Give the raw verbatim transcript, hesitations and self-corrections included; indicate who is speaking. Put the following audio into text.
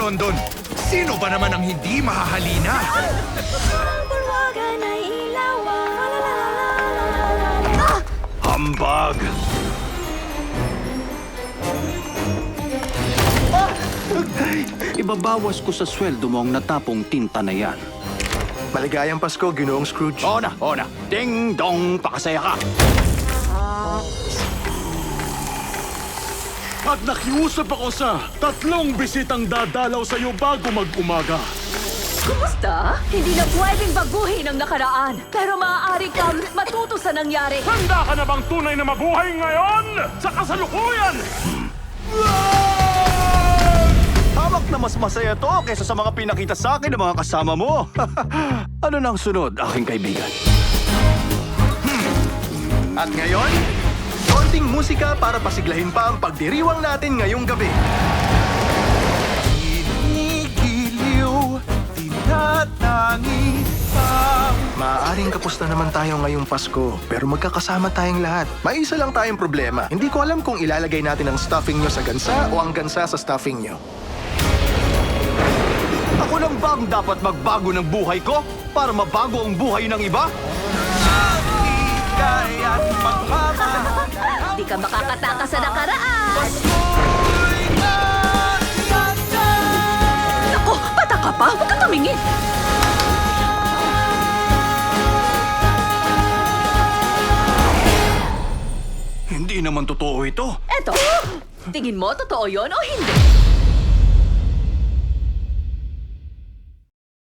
Speaker 1: London. Sino ba naman ang hindi mahahalina?
Speaker 2: Hambag! Ibabawas ko sa sweldo mo ang natapong tinta na yan.
Speaker 3: Maligayang Pasko, Ginoong Scrooge.
Speaker 2: Oo na, oo na. Ding dong, pakasaya ka.
Speaker 4: At nakiusap ako sa tatlong bisitang dadalaw sa'yo bago mag-umaga.
Speaker 5: Kumusta? Hindi na pwedeng baguhin ang nakaraan. Pero maaari kang matuto sa nangyari.
Speaker 4: Handa ka na bang tunay na mabuhay ngayon? Sa kasalukuyan!
Speaker 2: Hamak na mas masaya to kaysa sa mga pinakita sa akin ng mga kasama mo. Ano nang sunod, aking kaibigan?
Speaker 3: At ngayon, konting musika para pasiglahin pa ang pagdiriwang natin ngayong gabi. Ginigiliw, tinatangi pa. Maaaring kapos na naman tayo ngayong Pasko, pero magkakasama tayong lahat. May isa lang tayong problema. Hindi ko alam kung ilalagay natin ang stuffing nyo sa gansa o ang gansa sa stuffing nyo.
Speaker 2: Ako lang ba ang dapat magbago ng buhay ko para mabago ang buhay ng iba?
Speaker 5: Di ka makakatakas sa nakaraan. Naku, bata ka pa. Huwag ka tumingin.
Speaker 2: Hindi naman totoo ito.
Speaker 5: Eto, tingin mo totoo yon o hindi?